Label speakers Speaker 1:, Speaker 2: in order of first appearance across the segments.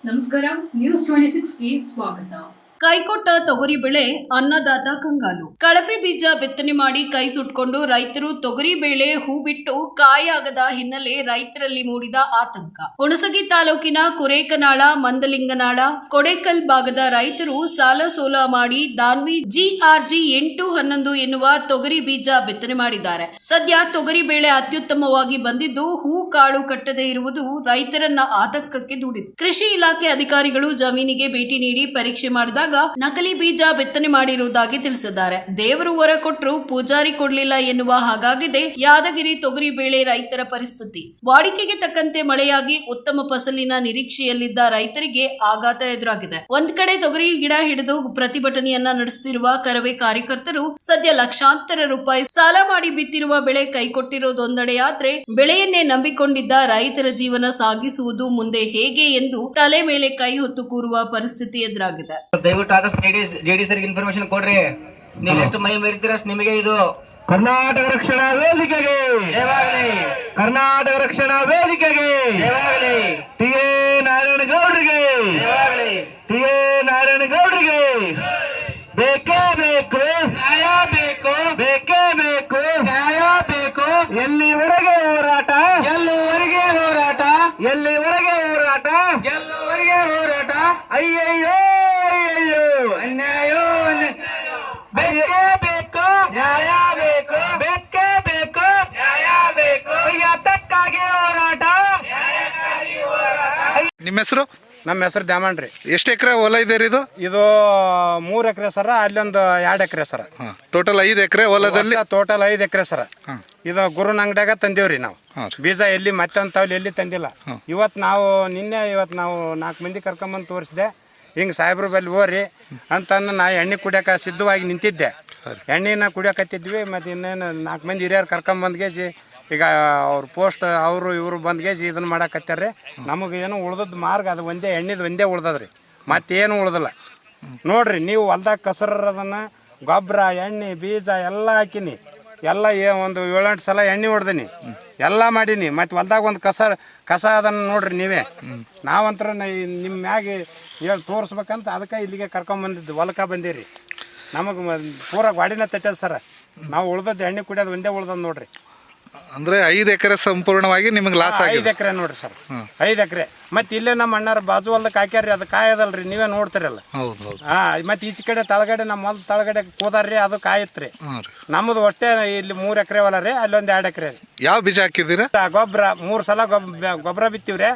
Speaker 1: ನಮಸ್ಕಾರ, ನ್ಯೂಸ್ 26ಗೆ ಸ್ವಾಗತ. ಕೈಕೊಟ್ಟ ತೊಗರಿ ಬೆಳೆ ಅನ್ನದಾತ ಕಂಗಾಲು. ಕಳಪೆ ಬೀಜ ಬಿತ್ತನೆ ಮಾಡಿ ಕೈ ಸುಟ್ಕೊಂಡು ರೈತರು ತೊಗರಿ ಬೆಳೆ ಹೂ ಬಿಟ್ಟು ಕಾಯಾಗದ ಹಿನ್ನೆಲೆ ರೈತರಲ್ಲಿ ಮೂಡಿದ ಆತಂಕ. ಹುಣಸಗಿ ತಾಲೂಕಿನ ಕುರೇಕನಾಳ, ಮಂದಲಿಂಗನಾಳ, ಕೊಡೇಕಲ್ ಭಾಗದ ರೈತರು ಸಾಲ ಸೋಲ ಮಾಡಿ ದಾನ್ವಿ GRG 811 ಎನ್ನುವ ತೊಗರಿ ಬೀಜ ಬಿತ್ತನೆ ಮಾಡಿದ್ದಾರೆ. ಸದ್ಯ ತೊಗರಿ ಬೆಳೆ ಅತ್ಯುತ್ತಮವಾಗಿ ಬಂದಿದ್ದು ಹೂ ಕಾಳು ಕಟ್ಟದೇ ಇರುವುದು ರೈತರನ್ನ ಆತಂಕಕ್ಕೆ ದೂಡಿದೆ. ಕೃಷಿ ಇಲಾಖೆ ಅಧಿಕಾರಿಗಳು ಜಮೀನಿಗೆ ಭೇಟಿ ನೀಡಿ ಪರೀಕ್ಷೆ ಮಾಡಿದಾಗ ನಕಲಿ ಬೀಜ ಬಿತ್ತನೆ ಮಾಡಿರುವುದಾಗಿ ತಿಳಿಸಿದ್ದಾರೆ. ದೇವರು ವರ ಕೊಟ್ಟರು ಪೂಜಾರಿ ಕೊಡ್ಲಿಲ್ಲ ಎನ್ನುವ ಹಾಗಾಗಿದೆ ಯಾದಗಿರಿ ತೊಗರಿ ಬೆಳೆ ರೈತರ ಪರಿಸ್ಥಿತಿ. ವಾಡಿಕೆಗೆ ತಕ್ಕಂತೆ ಮಳೆಯಾಗಿ ಉತ್ತಮ ಫಸಲಿನ ನಿರೀಕ್ಷೆಯಲ್ಲಿದ್ದ ರೈತರಿಗೆ ಆಘಾತ ಎದುರಾಗಿದೆ. ಒಂದ್ ಕಡೆ ತೊಗರಿ ಗಿಡ ಹಿಡಿದು ಪ್ರತಿಭಟನೆಯನ್ನ ನಡೆಸುತ್ತಿರುವ ಕರವೇ ಕಾರ್ಯಕರ್ತರು ಸದ್ಯ ಲಕ್ಷಾಂತರ ರೂಪಾಯಿ ಸಾಲ ಮಾಡಿ ಬಿತ್ತಿರುವ ಬೆಳೆ ಕೈಕೊಟ್ಟಿರೋದೊಂದೆಡೆಯಾದ್ರೆ ಬೆಳೆಯನ್ನೇ ನಂಬಿಕೊಂಡಿದ್ದ ರೈತರ ಜೀವನ ಸಾಗಿಸುವುದು ಮುಂದೆ ಹೇಗೆ ಎಂದು ತಲೆ ಮೇಲೆ ಕೈ ಹೊತ್ತು ಕೂರುವ ಪರಿಸ್ಥಿತಿ ಎದುರಾಗಿದೆ.
Speaker 2: ದಯವಿಟ್ಟು ಆದಷ್ಟು ಜೆಡಿ ಸರ್ ಇನ್ಫಾರ್ಮೇಶನ್ ಕೊಡ್ರಿ. ನೀವು ಎಷ್ಟು ಮೈ ಮರಿತೀರ ನಿಮಗೆ ಇದು
Speaker 3: ಕರ್ನಾಟಕ ರಕ್ಷಣಾ ವೇದಿಕೆಗೆ
Speaker 2: ಜಯವಾಗಲಿ,
Speaker 3: ಕರ್ನಾಟಕ ರಕ್ಷಣಾ ವೇದಿಕೆಗೆ
Speaker 2: ಜಯವಾಗಲಿ,
Speaker 3: ಟಿ.ಎ. ನಾರಾಯಣಗೌಡರಿಗೆ
Speaker 2: ಜಯವಾಗಲಿ,
Speaker 3: ಟಿ.ಎ. ನಾರಾಯಣಗೌಡರಿಗೆ ಬೇಕೇ ಬೇಕು,
Speaker 2: ನ್ಯಾಯ ಬೇಕು,
Speaker 3: ಬೇಕೇ ಬೇಕು,
Speaker 2: ನ್ಯಾಯ ಬೇಕು.
Speaker 3: ಎಲ್ಲಿವರೆಗೆ ಹೋರಾಟ,
Speaker 2: ಗೆಲ್ಲುವರೆಗೆ ಹೋರಾಟ,
Speaker 3: ಎಲ್ಲಿವರೆಗೆ ಹೋರಾಟ,
Speaker 2: ಗೆಲ್ಲುವರೆಗೆ ಹೋರಾಟ.
Speaker 3: ಅಯ್ಯಯ್ಯೋ ಅಯ್ಯಯ್ಯೋ,
Speaker 2: ಅನ್ಯಾಯ ಬೇಕೇ ಬೇಕು,
Speaker 3: ನ್ಯಾಯ ಬೇಕು,
Speaker 2: ಬೇಕೇ ಬೇಕು,
Speaker 3: ನ್ಯಾಯ ಬೇಕು,
Speaker 2: ಯಾತಕ್ಕಾಗಿ ಹೋರಾಟ.
Speaker 4: ನಿಮ್ಮ ಹೆಸರು?
Speaker 5: ನಮ್ಮ ಹೆಸರು ದ್ಯಾಮಣ್ರಿ.
Speaker 4: ಎಷ್ಟು ಎಕರೆ ಹೊಲ ಇದೆ ಇದು?
Speaker 5: ಇದು 3 ಎಕರೆ ಸರ, ಅಲ್ಲೊಂದು 2 ಎಕರೆ ಸರ.
Speaker 4: ಟೋಟಲ್ 5 ಎಕರೆ ಹೊಲದಲ್ಲಿ.
Speaker 5: ಟೋಟಲ್ 5 ಎಕರೆ ಸರ. ಇದು ಗುರುನ ಅಂಗಡಿಯಾಗ ತಂದೇವ್ರಿ ನಾವು ಬೀಜ. ಎಲ್ಲಿ ಮತ್ತೊಂದು ಎಲ್ಲಿ ತಂದಿಲ್ಲ. ಇವತ್ತು ನಾವು 4 ಮಂದಿ ಕರ್ಕೊಂಬಂದು ತೋರಿಸಿದೆ. ಹಿಂಗೆ ಸಾಹೇಬ್ರ ಬಲ್ಲಿ ಹೋರಿ ಅಂತಂದು ನಾ ಎಣ್ಣೆ ಕುಡಿಯೋಕೆ ಸಿದ್ಧವಾಗಿ ನಿಂತಿದ್ದೆ. ಎಣ್ಣೆನ ಕುಡಿಯೋಕತ್ತಿದ್ವಿ. ಮತ್ತು ಇನ್ನೇನು 4 ಮಂದಿ ಹಿರಿಯರು ಕರ್ಕೊಂಬಂದ್ಗೇಸಿ ಈಗ ಅವ್ರ ಪೋಸ್ಟ್ ಅವರು ಇವರು ಬಂದ್ಗೇಸಿ ಇದನ್ನು ಮಾಡಕತ್ತಾರ್ರಿ. ನಮಗೆ ಏನು ಉಳ್ದದ್ದು ಮಾರ್ಗ ಅದು ಒಂದೇ ಉಳ್ದದ್ರಿ, ಮತ್ತೇನು ಉಳ್ದಿಲ್ಲ. ನೋಡ್ರಿ ನೀವು ಹೊಲ್ದಾಗ ಕಸರದನ್ನು ಗೊಬ್ಬರ ಎಣ್ಣೆ ಬೀಜ ಎಲ್ಲ ಹಾಕಿನಿ. ಎಲ್ಲ ಒಂದು 7-8 ಸಲ ಎಣ್ಣೆ ಹೊಡ್ದೀನಿ, ಎಲ್ಲ ಮಾಡೀನಿ. ಮತ್ತು ಹೊಲ್ದಾಗ ಒಂದು ಕಸ ಅದನ್ನು ನೋಡ್ರಿ ನೀವೇ. ನಾವಂತರ ನಿಮ್ಮ ಮ್ಯಾಗೆ ಹೇಳಿ ತೋರಿಸ್ಬೇಕಂತ ಅದಕ್ಕೆ ಇಲ್ಲಿಗೆ ಕರ್ಕೊಂಬಂದಿದ್ದು ಹೊಲಕ್ಕೆ ಬಂದೀರಿ. ನಮಗೆ ಪೂರ ಗಾಡಿನ ತಟ್ಟದ ಸರ. ನಾವು ಉಳ್ದದ್ದು ಎಣ್ಣೆ ಕುಡಿಯೋದು ಒಂದೇ ಉಳ್ದದ್ದು ನೋಡ್ರಿ.
Speaker 4: ಅಂದ್ರೆ 5 ಎಕರೆ ಸಂಪೂರ್ಣವಾಗಿ ನಿಮಗೆ ಲಾಸ್ ಆಗಿದೆ.
Speaker 5: 5 ಎಕರೆ ನೋಡ್ರಿ ಸರ್, 5 ಎಕರೆ. ಮತ್ತೆ ಇಲ್ಲೇ ನಮ್ಮ ಅಣ್ಣಾರ ಬಾಜು ಹೊಲ್ದಕ್ಕೆ ಹಾಕ್ಯಾರ್ರಿ, ಅದು ಕಾಯದಲ್ರಿ, ನೀವೇ ನೋಡ್ತಿರಲ್ಲ. ಮತ್ತೆ ಈಚೆ ಕಡೆ ತಳಗಡೆ ನಮ್ಮ ಹೊಲ ತಳಗಡೆ ಕೂದಾರ್ರಿ, ಅದು ಕಾಯತ್ರಿ. ನಮ್ಮದು ಅಷ್ಟೇ ಇಲ್ಲಿ 3 ಎಕರೆ ಹೊಲ ರೀ, ಅಲ್ಲೊಂದು 2 ಎಕರೆ ರೀ.
Speaker 4: ಯಾವ ಬೀಜ ಹಾಕಿದ್ದೀರಾ?
Speaker 5: ಗೊಬ್ಬರ 3 ಸಲ ಗೊಬ್ಬರ ಬಿತ್ತೀವ್ರಿ.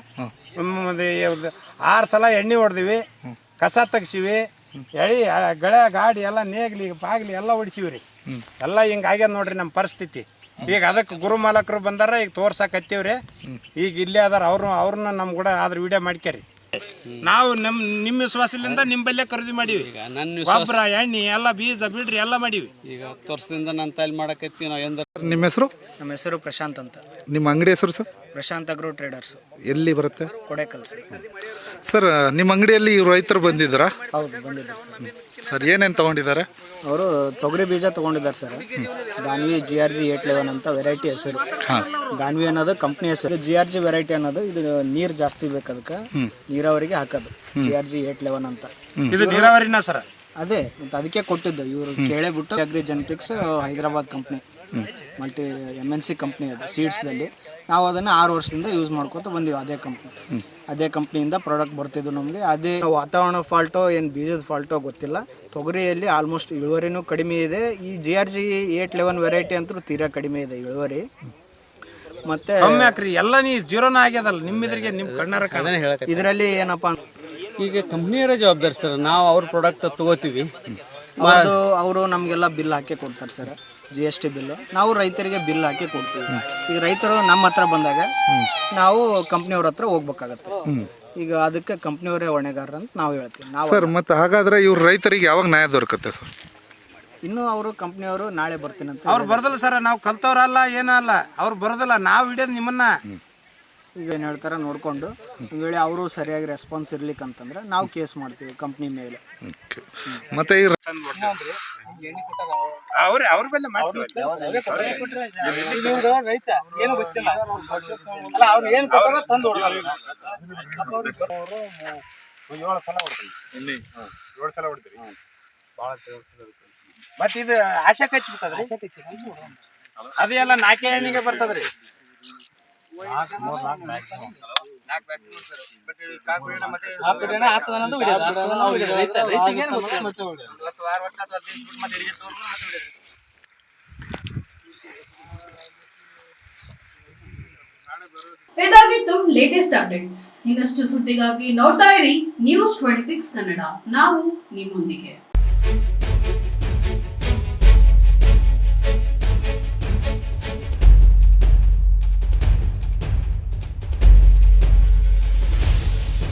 Speaker 5: 6 ಸಲ ಎಣ್ಣೆ ಹೊಡೆದಿವಿ, ಕಸ ತೆಗ್ಸಿವಿ, ಎಳಿ ಗಳೆ ಗಾಡಿ ಎಲ್ಲ ನೇಗ್ಲಿ ಬಾಗ್ಲಿ ಎಲ್ಲ ಹೊಡಿಸಿವ್ರಿ. ಎಲ್ಲ ಹಿಂಗೆ ಆಗ್ಯದ ನೋಡ್ರಿ ನಮ್ಮ ಪರಿಸ್ಥಿತಿ. ಈಗ ಅದಕ್ಕೆ ಗುರು ಮಾಲಕರು ಬಂದಾರ, ಈಗ ತೋರ್ಸಕತ್ತೀವ್ರಿ. ಈಗ ಇಲ್ಲೇ ಅದಾರ ಅವ್ರನ್ನ ನಮ್ಮ ಕೂಡ ಆದ್ರೆ ವಿಡಿಯೋ ಮಾಡ್ಕ್ಯಾರಿ. ನಾವು ನಿಮ್ಮ ವಿಶ್ವಾಸದಿಂದ ನಿಂಬಲ್ಲೇ ಖರೀದಿ ಮಾಡೀವಿ. ಗೊಬ್ಬರ ಎಣ್ಣೆ ಎಲ್ಲ ಬೀಜ ಬಿಡ್ರಿ ಎಲ್ಲ ಮಾಡೀವಿ.
Speaker 6: ಈಗ 10 ವರ್ಷದಿಂದ ನಾನು ತಲೆ ಮಾಡಕತ್ತೀವಿ ನಾವು.
Speaker 4: ನಿಮ್ಮ ಹೆಸರು?
Speaker 7: ನಮ್ಮ ಹೆಸರು ಪ್ರಶಾಂತ್ ಅಂತ.
Speaker 4: ನಿಮ್ಮ ಅಂಗಡಿ ಹೆಸರು ಸರ್?
Speaker 7: Prashant agro traders.
Speaker 4: ಎಲ್ಲಿ ಬರುತ್ತೆ?
Speaker 7: ಕೊಡೇಕಲ್ ಸರ್.
Speaker 4: ಸರ್ ನಿಮ್ಮ ಅಂಗಡಿಯಲ್ಲಿ ರೈತರು ಬಂದಿದ್ದಾರಾ?
Speaker 7: ಹೌದು, ಬಂದಿದ್ದಾರೆ ಸರ್.
Speaker 4: ಸರ್ ಏನೇನು ತಗೊಂಡಿದ್ದಾರೆ?
Speaker 7: ಅವರು ತೊಗರಿ ಬೀಜ ತೊಗೊಂಡಿದ್ದಾರೆ ಸರ್. ದಾನ್ವಿ GRG 811 ಅಂತ ವೆರೈಟಿ ಹೆಸರು. ದಾನ್ವಿ ಅನ್ನೋದು ಕಂಪ್ನಿ ಹೆಸರು. GRG ವೆರೈಟಿ ಅನ್ನೋದು ಇದು ನೀರು ಜಾಸ್ತಿ ಬೇಕು, ಅದಕ್ಕೆ ನೀರಾವರಿಗೆ ಹಾಕೋದು GRG 811 ಅಂತ.
Speaker 5: ಇದು ನೀರಾವರಿನ ಸರ್.
Speaker 7: ಅದೇ ಮತ್ತೆ ಅದಕ್ಕೆ ಕೊಟ್ಟಿದ್ದು ಇವರು ಕೇಳೇಬಿಟ್ಟು. Agri Genetics Hyderabad company, multi MNC company ಅದು ಸೀಡ್ಸ್ದಲ್ಲಿ. ನಾವು ಅದನ್ನು 6 ವರ್ಷದಿಂದ ಯೂಸ್ ಮಾಡ್ಕೊತ ಬಂದೀವಿ. ಅದೇ ಕಂಪ್ನಿಯಿಂದ ಪ್ರಾಡಕ್ಟ್ ಬರ್ತಿದ್ದು ನಮಗೆ. ಅದೇ ವಾತಾವರಣ ಫಾಲ್ಟೋ ಏನು ಬೀಜದ ಫಾಲ್ಟೋ ಗೊತ್ತಿಲ್ಲ. ತೊಗರಿಯಲ್ಲಿ ಆಲ್ಮೋಸ್ಟ್ ಇಳುವರಿನೂ ಕಡಿಮೆ ಇದೆ. ಈ GRG 811 ವೆರೈಟಿ ಅಂತೂ ತೀರಾ ಕಡಿಮೆ ಇದೆ ಇಳುವರಿ. ಮತ್ತೆ
Speaker 5: ಕಮ್ಮಿ ಹಾಕ್ರಿ ಎಲ್ಲ ನೀರು ಜೀರೋನ ಆಗ್ಯದಲ್ಲ ನಿಮ್ಮಿದ್ರಿಗೆ, ನಿಮ್ಮ ಕಣ್ಣಾರ.
Speaker 7: ಇದರಲ್ಲಿ ಏನಪ್ಪ
Speaker 6: ಈಗ ಕಂಪ್ನಿಯವರೇ ಜವಾಬ್ದಾರಿ ಸರ್. ನಾವು ಅವ್ರ ಪ್ರಾಡಕ್ಟ್ ತಗೋತೀವಿ,
Speaker 7: ಅವರು ನಮಗೆಲ್ಲ ಬಿಲ್ ಹಾಕಿ ಕೊಡ್ತಾರೆ ಸರ್, GST ಬಿಲ್ಲು. ನಾವು ರೈತರಿಗೆ ಬಿಲ್ ಹಾಕಿ ಕೊಡ್ತೀವಿ. ಈಗ ರೈತರು ನಮ್ಮ ಹತ್ರ ಬಂದಾಗ ನಾವು ಕಂಪ್ನಿಯವ್ರ ಹತ್ರ ಹೋಗ್ಬೇಕಾಗತ್ತೆ. ಈಗ ಅದಕ್ಕೆ ಕಂಪ್ನಿಯವರೇ ಹೊಣೆಗಾರ ಅಂತ ನಾವು ಹೇಳ್ತೀವಿ. ನಾವು
Speaker 4: ಸರ್ ಮತ್ತೆ ಹಾಗಾದ್ರೆ ಇವ್ರು ರೈತರಿಗೆ ಯಾವಾಗ ನ್ಯಾಯ ದೊರಕುತ್ತೆ ಸರ್?
Speaker 7: ಇನ್ನು ಅವರು ಕಂಪ್ನಿಯವರು ನಾಳೆ ಬರ್ತೀನಿ ಅಂತ.
Speaker 5: ಅವ್ರು ಬರೋದಿಲ್ಲ ಸರ್, ನಾವು ಕಲ್ತವ್ರಲ್ಲ ಏನಲ್ಲ, ಅವ್ರು ಬರೋದಿಲ್ಲ, ನಾವು ಹಿಡಿಯೋದು ನಿಮ್ಮನ್ನ.
Speaker 7: ಈಗ ಏನು ಹೇಳ್ತಾರೆ ನೋಡಿಕೊಂಡು ವೇಳೆ ಅವರು ಸರಿಯಾಗಿ ರೆಸ್ಪಾನ್ಸ್ ಇರ್ಲಿಕ್ಕಂತಂದ್ರೆ ನಾವು ಕೇಸ್ ಮಾಡ್ತೀವಿ ಕಂಪ್ನಿ ಮೇಲೆ.
Speaker 4: ಮತ್ತೆ ಈ
Speaker 5: ಅವ್ರ ಮೇಲೆ
Speaker 6: ರೈತ ಏನು ಗೊತ್ತಿಲ್ಲ, ಅವ್ರು ಏನು ತಂದು
Speaker 5: ಮತ್ ಇದು ಆಶಾ ಕಚ್ಚಿಬಿಟ್ಟದ್ರಿ ಅದೆಲ್ಲ 4 ಎಣ್ಣಿಗೆ ಬರ್ತದ್ರಿ.
Speaker 1: ಇದಾಗಿತ್ತು ಲೇಟೆಸ್ಟ್ ಅಪ್ಡೇಟ್ಸ್. ಇನ್ನಷ್ಟು ಸುದ್ದಿಗಾಗಿ ನೋಡ್ತಾ ಇರಿ News 26 ಕನ್ನಡ. ನಾವು ನಿಮ್ಮೊಂದಿಗೆ.